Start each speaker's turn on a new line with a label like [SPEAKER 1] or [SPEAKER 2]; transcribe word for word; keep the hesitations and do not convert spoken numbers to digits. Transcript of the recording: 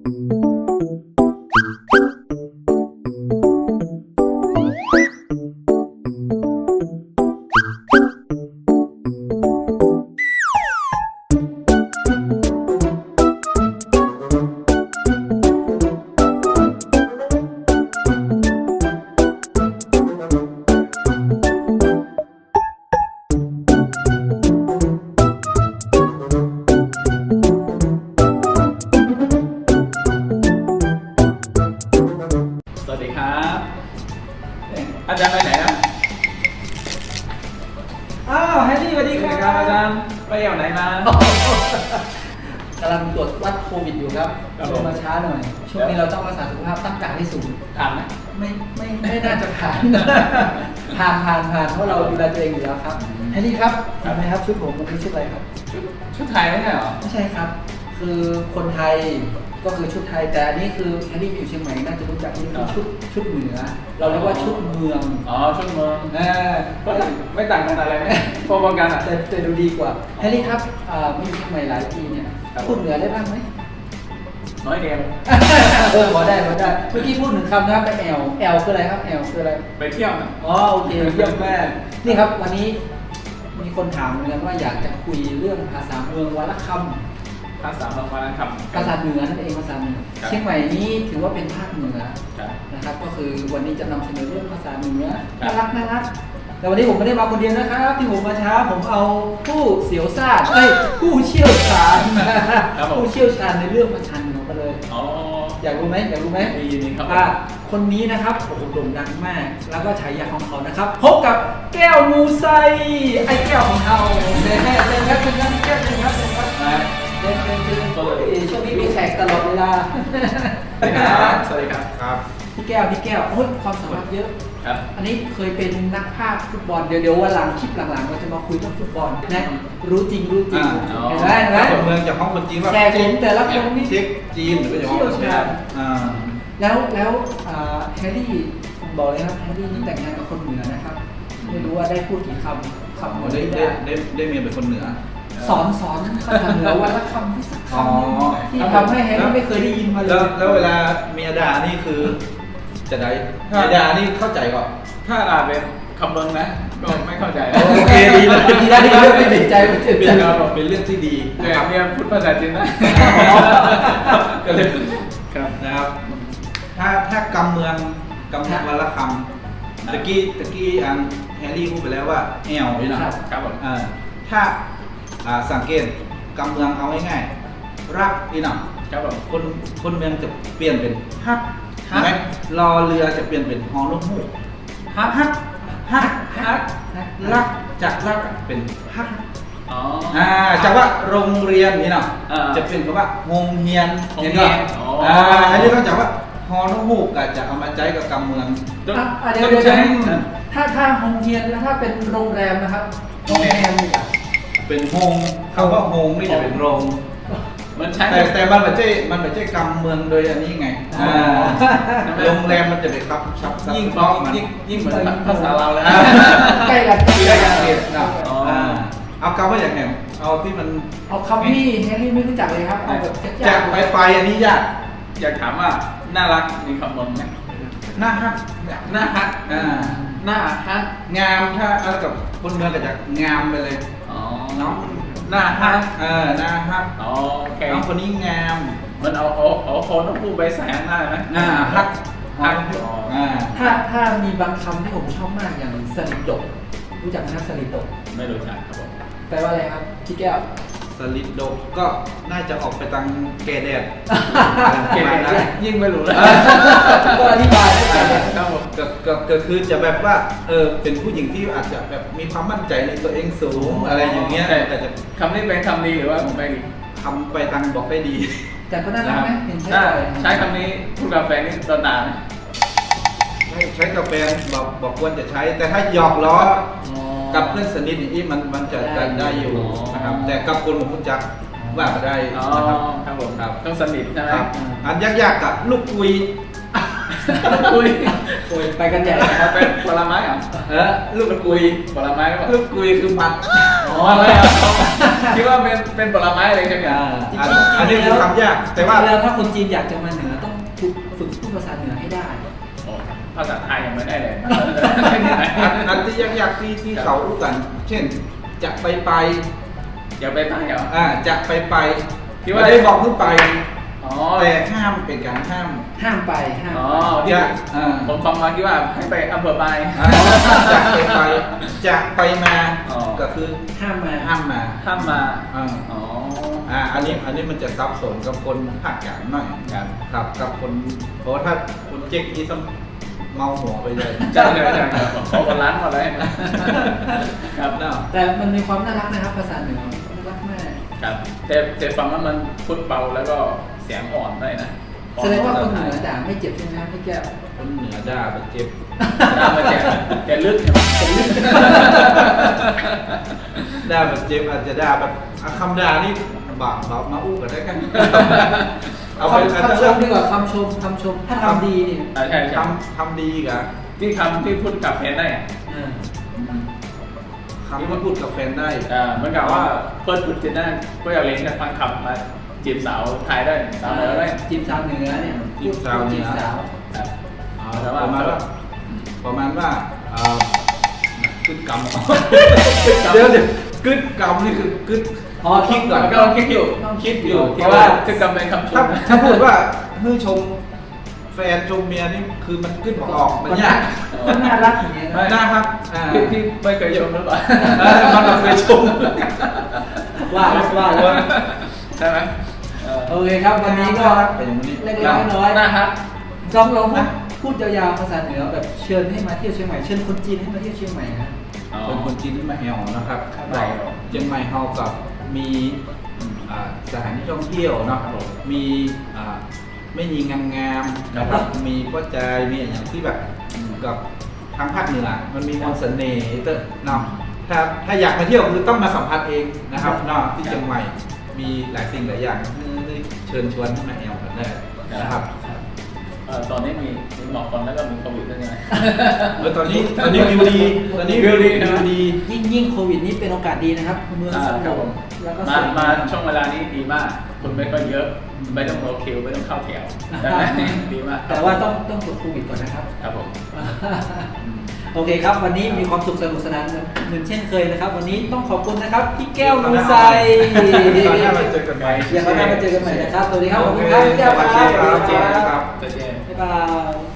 [SPEAKER 1] อาจารย์ไปไหนนะ
[SPEAKER 2] อ้าวแฮร์รี่สวัสดีครับ
[SPEAKER 1] อาจารย์ไปเที่ยวไหนม
[SPEAKER 2] ากำลังตรวจวัดโควิดอยู่ครับลงมาช้าหน่อยช่วงนี้เราต้องรักษาสุขภาพตั้งการให้สูง
[SPEAKER 1] ผ่านไหม
[SPEAKER 2] ไม่ไม่ไม่น่าจะผ่านผ่านผ่านผ่านเพราะเราดูแลตัวเองอยู่แล้วครับแฮร์รี่ครับทำไมครับชุดผมวันนี้ชุดอะไรครับ
[SPEAKER 1] ชุดชุดไทยไม่ใช่หรอ
[SPEAKER 2] ไม่ใช่ครับคือคนไทยก็คือชุดไทยแต่อันนี้คือแฮร์รี่อยู่เชียงใหม่น่าจะรู้จักนี่คือชุดชุดเหนือเราเรียกว่าชุดเมือง
[SPEAKER 1] อ๋อชุดเมือง
[SPEAKER 2] เออ
[SPEAKER 1] ไม่ต่างกันอะไรไหมพอๆกันอ่ะ
[SPEAKER 2] แต่แต่ดูดีกว่าแฮร์รี่ครับมาอยู่เชียงใหม่หลายปีเนี่ยพูดเหนือได้บ้างไหม
[SPEAKER 1] น้อยเดียว
[SPEAKER 2] เออพอได้พอได้เมื่อกี้พูดหนึ่งคำนะครับไปแอลแอลคืออะไรครับแอลคืออะไร
[SPEAKER 1] ไปเที่ยวนะ
[SPEAKER 2] อ๋อโอเคเยี่ยมมากนี่ครับวันนี้มีคนถามเหมือนกันว่าอยากจะคุยเรื่องภาษาเมืองวรรณคำ
[SPEAKER 1] ภาษาเมืองวรรณคำ
[SPEAKER 2] ภาษาเหนือนั่นเองภาษาเหนือเชียงใหม่นี้ถือว่าเป็นภาคเหนือนะครับก็คือวันนี้จะนำเสนอเรื่องภาษาเหนือน่ารักน่ารักแต่วันนี้ผมไม่ได้มาคนเดียวนะครับที่ผมมาช้าผมเอาผู้เสียวซ่านเอ้ยผู้เชี่ยวชาญผู้เชี่ยวชาญในเรื่องภาษาเหนือมาเลยอยากรู้ไหมอยากรู้ไหม
[SPEAKER 1] ยินดีครับ
[SPEAKER 2] คนนี้นะครับโอ้โหโด่งดังมากแล้วก็ฉายาของเขานะครับพบกับแก้วมูไซไอ้แก้วของเราเชิญครับเชิญครับเชิญครับแก้วเชิญครับเชิญครับเชิญเชิญเชิญช่วงนี้มีแขกตลอดเวลา
[SPEAKER 1] สวัสดีครับสวัสดีครับ
[SPEAKER 2] ครับพี่แก้วพี่แก้วโอ้ยความสามารถเยอะ
[SPEAKER 1] ครับ
[SPEAKER 2] อันนี้เคยเป็นนักพากย์ฟุตบอลเดี๋ยวเดี๋ยววันหลังคลิปหลังๆเราจะมาคุยเรื่องฟุตบอลนะรู้จริงรู้จริงเห็นไหมเห็นไหม
[SPEAKER 3] เมืองจากห้องคนจีนว่า
[SPEAKER 2] แขกผมแต่ละคนนี่
[SPEAKER 3] เช็คจีนหรือว่าจะห้องคนจีน
[SPEAKER 2] แล้วแล้วแฮร์รี่ผมบอกเลยครับแฮร์รี่นี่แต่งงานกับคนเหนือนะครับไม่รู้ว่าได้พูดกี่คำคำหมด
[SPEAKER 3] ได้ได้ได้ได้เมียเป็นคนเหนือ
[SPEAKER 2] สอนสอนภาษาเหนือวันละคำที่สักคำที่ทำให้แฮร์รี่ไม่เคยได้ยินมาเลย
[SPEAKER 3] แล้วเวลาเมียด่านี่คือจะได้เมียด่านี่เข้าใจก่อน
[SPEAKER 1] ถ้าด่าเป็นคำเมืองนะก็ไม่เข้าใจ
[SPEAKER 3] โอเคดีเลย
[SPEAKER 2] ดีได้ดีเรื่องไม่เด็ดใจไม่เด็ดใจ
[SPEAKER 3] เป็นเรื่องที่ดี
[SPEAKER 1] นะครับเนี่ยพูดภาษาจีนนะก็เลย
[SPEAKER 3] ครับนะครับถ้าถ้ากำเมืองกำเมืองวันละคำตะกี้ตะกี้อันแฮร์รี่พูดไปแล้วว่าแอลนี่นะครับผมถ้าสังเกตกำเมืองเอาง่ายๆรักนี่นะคนคนเมืองจะเปลี่ยนเป็นฮักใช่ไหมรอเรือจะเปลี่ยนเป็นฮอนุ่มหูฮักฮักฮักฮักรักจากรักเป็นฮักอ่าจากว่าโรงเรียนนี่นะจะเป็นคำว่าโรงเรียนเห็นไหมอ่าอันนี้ต้องจากว่าฮอนุ่มหูก็จะเอามาใช้กับกำเมือง
[SPEAKER 2] เดี๋ยวเดี๋ยวถ้าถ้าโรงเรียนแล้วถ้าเป็นโรงแรมนะครับโรงแรม
[SPEAKER 3] เป็นโฮงคำว่าโฮงนี่จะเป็นโรง
[SPEAKER 1] มันใช่
[SPEAKER 3] แต่แต่มันไม่ใช่มันไม่ใช่กำเมืองโดยอันนี้ไงโรงแรมมันจะเป็นครับชับ
[SPEAKER 1] ยิ่งฟ้องยิ่งยิ่งเหมือนภาษาเราเลย
[SPEAKER 2] ใกล้กัน
[SPEAKER 3] ใกล้กันเองนะเอาคำว่าอย่างไงเอาที่มัน
[SPEAKER 2] เอาคำที่แฮร์รี่ไม่รู้จักเลยครับเอาแบบ
[SPEAKER 3] จากไปไปอันนี้ยาก
[SPEAKER 1] อยากถามว่าน่ารักมีคำเมืองไหม
[SPEAKER 3] น่าฮัก
[SPEAKER 1] น่าฮัก
[SPEAKER 3] อ่า
[SPEAKER 1] น่าฮัก
[SPEAKER 3] งามถ้าเอากับคนเมืองก็จะงามไปเลย
[SPEAKER 1] อ๋อ
[SPEAKER 3] น้อง
[SPEAKER 1] หน้าฮัก
[SPEAKER 3] เออหน้าฮัก
[SPEAKER 1] อ๋อ
[SPEAKER 3] น้องคนนี้งาม
[SPEAKER 1] มันเอาเอาเอาคนต้องพูดใบแสงได้ไหม
[SPEAKER 3] หน้าฮัก
[SPEAKER 1] ฮัก
[SPEAKER 2] ถ้าถ้ามีบางคำที่ผมชอบมากอย่างสลิดดกรู้จักไหมครับสลิดดก
[SPEAKER 1] ไม่รู้จักครับผม
[SPEAKER 2] แปลว่าอะไรครับพี่แก้ว
[SPEAKER 3] สลิดดกก็น่าจะออกไปทางแก่แดด
[SPEAKER 1] แก่แดดยิ่งไม่รู้เลย
[SPEAKER 2] ก็อธิบายได้
[SPEAKER 3] ครับผมก็คือจะแบบว่าเออเป็นผู้หญิงที่อาจจะแบบมีความมั่นใจในตัวเองสูงอะไรอย่างเงี้ยแต่จะ
[SPEAKER 1] คำนี้เป็นคำดีหรือว่าผมไม่ดี
[SPEAKER 3] คำไปทางบอกไม่ดี
[SPEAKER 2] แต่ก็น่ารักไหมเห็นใช่
[SPEAKER 1] ใช้คำนี้พูดกับแฟนนี่ตอนด่าไหม
[SPEAKER 3] ใช้กับแฟนบอกบอกควรจะใช้แต่ถ้าหยอกล้อกับเพื่อนสนิทนี่มันมันจะได้อยู่นะครับแต่กับคนผมรู้จักว่าไม่ได้นะครับ
[SPEAKER 1] ครับผมครับต้องสนิทใช่ไหม
[SPEAKER 3] อันยากๆกับลูกคุย
[SPEAKER 1] ลูกกุย
[SPEAKER 2] โอ้ยไปกันใหญ่นะครับ
[SPEAKER 1] เป็นผลไม้เหรอ
[SPEAKER 3] เออลูกกุย
[SPEAKER 1] ผลไม้หรือเปล่า
[SPEAKER 3] ลูกกุยคือมัน
[SPEAKER 1] อ๋อไม่เอาคิดว่าเป็นเป็นผลไม้อะไรใช่ไหม
[SPEAKER 3] อ่า
[SPEAKER 2] จริง
[SPEAKER 3] อัน
[SPEAKER 2] ๆ
[SPEAKER 3] อันนี้คือคำยากแต่ว่า
[SPEAKER 2] แล้วถ้าคนจีนอยากจะมาเหนือต้องฝึกฝึกพูดภาษาเหนือให้ได้
[SPEAKER 1] ภาษาไทยยังไม่ได้เลย
[SPEAKER 3] อันอันที่ยากๆที่ที่เขารู้กัน เช่นจะไปไป
[SPEAKER 1] อย่าไปตั้งเหรอ
[SPEAKER 3] อ่าจะไปไป
[SPEAKER 1] คิดว่า
[SPEAKER 3] ไม่ได้บอกเพิ่งไป
[SPEAKER 1] อ๋อ
[SPEAKER 3] แต่ห้ามเป็นการห้าม
[SPEAKER 2] ห้ามไปห้าม
[SPEAKER 1] อ๋อ
[SPEAKER 2] ไป
[SPEAKER 1] ที่
[SPEAKER 3] จะอ่า
[SPEAKER 1] ผมฟังมาคิดว่าให้ไปอำเภอปลาย
[SPEAKER 3] อ่าจะไปไปจะไปมา
[SPEAKER 1] อ๋อ
[SPEAKER 3] ก็คือ
[SPEAKER 2] ห้ามมา
[SPEAKER 3] ห้ามมา
[SPEAKER 1] ห้ามมา
[SPEAKER 3] อ่า
[SPEAKER 1] อ๋อ
[SPEAKER 3] อ่าอันนี้อันนี้มันจะซับซ้อนกับคนภาคกลางหน่อย
[SPEAKER 1] ครับ
[SPEAKER 3] ครับกับคนเพราะว่าถ้าคนเจ๊กนี่ต้องเมาหัวไปเลย
[SPEAKER 1] ใช่ใช่ใช่ครับขอคนร้านหมดเลยครับ
[SPEAKER 3] เนาะ
[SPEAKER 2] แต่มันมีความน่ารักนะครับภาษาเหนือน่ารักมาก
[SPEAKER 1] ครับแต่แต่ฟังว่ามันพูดเบาแล้วก็เสียงอ่อนได้นะ
[SPEAKER 2] แสดงว่าคนเหนือด่าไม่เจ็บใช่ไหมครับพี่แก้ว
[SPEAKER 3] คนเหนือด่าไปเจ็บ
[SPEAKER 1] ตามมาแจกแกลึกใช่ไหม
[SPEAKER 3] ด่าแบบเจ็บอาจจะด่าแบบอ่ะคำด่านี่บาปบาปมาอู้กันได้กันเอาไป
[SPEAKER 2] คำ
[SPEAKER 3] อาจจะ
[SPEAKER 2] คำช
[SPEAKER 3] เริ่
[SPEAKER 2] ม
[SPEAKER 3] ม
[SPEAKER 2] ดีกว่าคำชมคำชมถ้าทำดีเนี่ย
[SPEAKER 1] อ่าใช่ใช่
[SPEAKER 3] ทำทำดีกะ
[SPEAKER 1] ที่คำที่พูดกับแฟนได้อะ
[SPEAKER 2] อ่า
[SPEAKER 3] คำที่พูดกับแฟนได้
[SPEAKER 1] อ่าเหมือนกับว่าเพิ่นพูดจีนได้ก็อยากเล่นกันฟังคำมาจีบสาวไทยได้สาวเหนือได้
[SPEAKER 2] จีบสาวเหนือเนี่ย
[SPEAKER 3] จีบสาวเหนือ
[SPEAKER 2] จีบสาว
[SPEAKER 1] ครับ
[SPEAKER 3] อ่า
[SPEAKER 1] แต่
[SPEAKER 3] ประมาณว่า
[SPEAKER 1] อืม
[SPEAKER 3] ประมาณว่าอ่า กึดกำเดี๋ยวเดี๋ยวกึดกำนี่คือกึด
[SPEAKER 2] อ๋อ
[SPEAKER 3] คิดก่อน
[SPEAKER 1] ก็คิดอยู่ต้องคิดอยู่
[SPEAKER 3] เพ
[SPEAKER 1] เพ
[SPEAKER 3] ราะ
[SPEAKER 1] ราะ
[SPEAKER 3] ว่า
[SPEAKER 1] ว่าจะกำเป็นคำช
[SPEAKER 3] ถ้าม ถ้าพูดว่าเฮ้ยชมแฟนชมเมียนี่คือมันกึดบอกออกมันยาก
[SPEAKER 2] ก็น่ารักอย่างเงี้ย
[SPEAKER 1] ไม่
[SPEAKER 2] นะ
[SPEAKER 3] น่าครับอ่า
[SPEAKER 1] พี่พี่ไม่เคยชมหรือเปล่า
[SPEAKER 3] เออมันเราเคยชม
[SPEAKER 2] ว่าว่าว่า
[SPEAKER 1] ใช่ไหมเออ
[SPEAKER 2] โอเคครับวันนี้ก็
[SPEAKER 3] ไปอย่างนี้
[SPEAKER 2] เล็กๆน้อยๆ
[SPEAKER 1] น่าฮัก
[SPEAKER 2] ลองลองพูดพูดยาวๆภาษาเหนือแบบเชิญให้มาเที่ยวเชียงใหม่เชิญคนจีนให้มาเที่ยวเชียงใหม่นะ
[SPEAKER 3] เป็นคนจีนที่มาแอลนะครับ
[SPEAKER 1] ครับ
[SPEAKER 3] เชียงใหม่เฮากับมีอ่าสถานที่ท่องเที่ยวเนาะมีอ่าไม่มีงามๆนะครับมีป้อใจายมีอย่างที่แบบกับทางภาคเหนือมันมีความเสน่ห์เตอะเนาะถ้าถ้าอยากมาเที่ยวคือต้องมาสัมผัสเองนะครับเนาะที่เชียงใหม่มีหลายสิ่งหลายอย่างที่เชิญชวนให้มาแอลกันได้นะครับ
[SPEAKER 1] เออตอนนี้มีมีหมอกคนแล้วก็มีโควิดด้วยใช่ไหม
[SPEAKER 3] เออตอนนี้ตอนนี้วิวดีตอนนี้
[SPEAKER 1] วิวดี
[SPEAKER 3] วิวดี
[SPEAKER 2] ยิ่งยิ่งโควิดนี้เป็นโอกาสดีนะครับเมือง
[SPEAKER 1] อ่า
[SPEAKER 2] สง
[SPEAKER 1] ครับ
[SPEAKER 2] บ
[SPEAKER 1] ผม
[SPEAKER 2] แล้วก็
[SPEAKER 1] มา
[SPEAKER 2] สวย
[SPEAKER 1] มาง ช่วงเวลานี้ดีมากคนไม่ค่อยเยอะไม่ต้องรอคิวไม่ต้องเข้าแถวได้ไหมดีมาก
[SPEAKER 2] แต่ว่าต้องต้องตรวจโควิดก่อนนะครับ
[SPEAKER 1] ครับผม
[SPEAKER 2] โอเคครับ วันนี้มีความสุขสนุกสนานเหมือนเช่นเคยนะครับ วันนี้ต้องขอบคุณนะครับพี่แก้วมูไซ
[SPEAKER 3] ตอนหน้าเราเจอกันใหม่
[SPEAKER 2] เดี๋ยวเขาหน้ามาเจอกันใหม่นะครับสวัสดีครับขอบคุณครับพี่แก้วครับ
[SPEAKER 3] สวัสดีครับ
[SPEAKER 1] เจเจ
[SPEAKER 2] บ๊ายบาย